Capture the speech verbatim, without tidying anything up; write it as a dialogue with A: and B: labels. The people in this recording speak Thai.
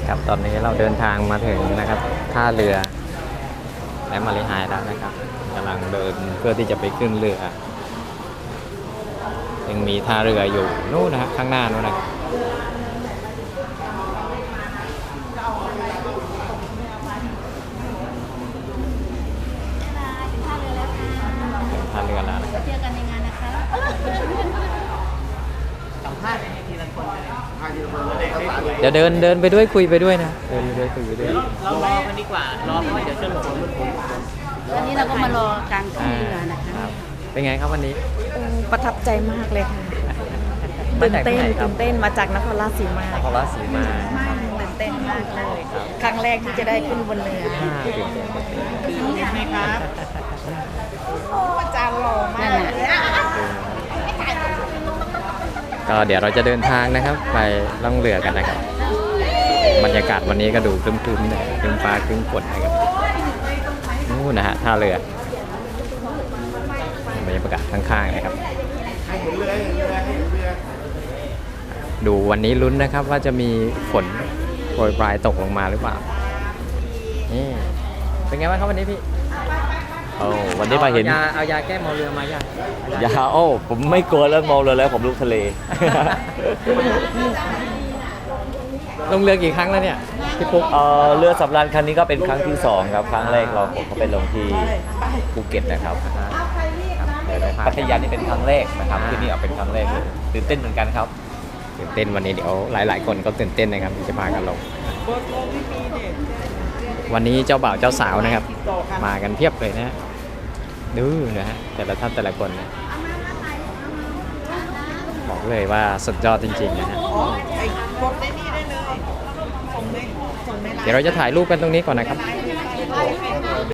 A: ครับตอนนี้เราเดินทางมาถึงนะครับท่าเรือและมาริหายแล้วนะครับกำลังเดินเพื่อที่จะไปขึ้นเรือยังมีท่าเรืออยู่นู่นนะฮะข้างหน้านู่นนะท่าเรือแล้วนะครับ
B: เจอกันในงานนะคะ
C: สัมภาษณ์ทีละคนเลย
A: เดี๋ยวเดินเดินไปด้วยคุยไปด้วยนะเดินไปด้วยคุยไปด้วย
C: เรารอกันดีกว่ารอเพราะว่าเดี๋ยวจะหลง
B: วันนี้เราก็มารอกลางขึ้นเรือนะ
A: ค
B: คะ
A: รับเป็นไงครับวันนี้
D: โอ้ประทับใจมากเลยค่ะ
A: มา
D: ตื่น
A: จาก
D: เต้
A: ที่
D: น
A: ไหนครับ
D: ตื่นเต้นมาจากนครราชสีมาน
A: ครราชสีมา
D: ตื่นเต้นมากเลย ครั้งแรกที่จะได้ขึ้นบนเรือ
A: อ่าตื่นเต้นตื่นเต้น
C: ใช่ไหมครับ
D: อาจารย์หล่อมากเลย
A: ก็เดี๋ยวเราจะเดินทางนะครับ ไปล่องเรือกันนะครับบรรยากาศวันนี้ก็ดูครึ้มๆนะครึ้มฟ้าครึ้มฝนนะครับนู่นนะฮะท่าเรือบรรยากาศข้างๆนะครับดูวันนี้ลุ้นนะครับว่าจะมีฝนโปรยปลายตกลงมาหรือเปล่านี่เป็นไงบ้างครับวันนี้พี่
E: โอ้วันนี้มาเห็น
A: อายาเอายาแก้เมาเรือมายัง
E: ยาโอ้ผมไม่กลัวแล้วมองเลยแล้วผมลุกทะเล
A: ลงเรือกี่ครั้งแล้วเนี่ยพี่ปุ๊ก
E: เอ่อเรือสำราญคันนี้ก็เป็นครั้งที่สองครับครั้งแรกเราผมก็ไปลงที่ภูเก็ตนะครับ
A: เดี๋ยวได้พา
E: พัทยานี่เป็นครั้งแรกนะครับที่นี่เอาเป็นครั้งแรกเลยตื่นเต้นเหมือนกันครับ
A: ตื่นเต้นวันนี้เดี๋ยวหลาย ๆ คนก็ตื่นเต้นนะครับที่จะพากันลงวันนี้เจ้าบ่าวเจ้าสาวนะครับ มากันเพียบเลยนะฮะดูนะฮะแต่ละท่านแต่ละคนนะบอกเลยว่าสุดยอดจริง ๆ นะฮะเดี๋ยวเราจะถ่ายรูปกันตรงนี้ก่อนนะครับ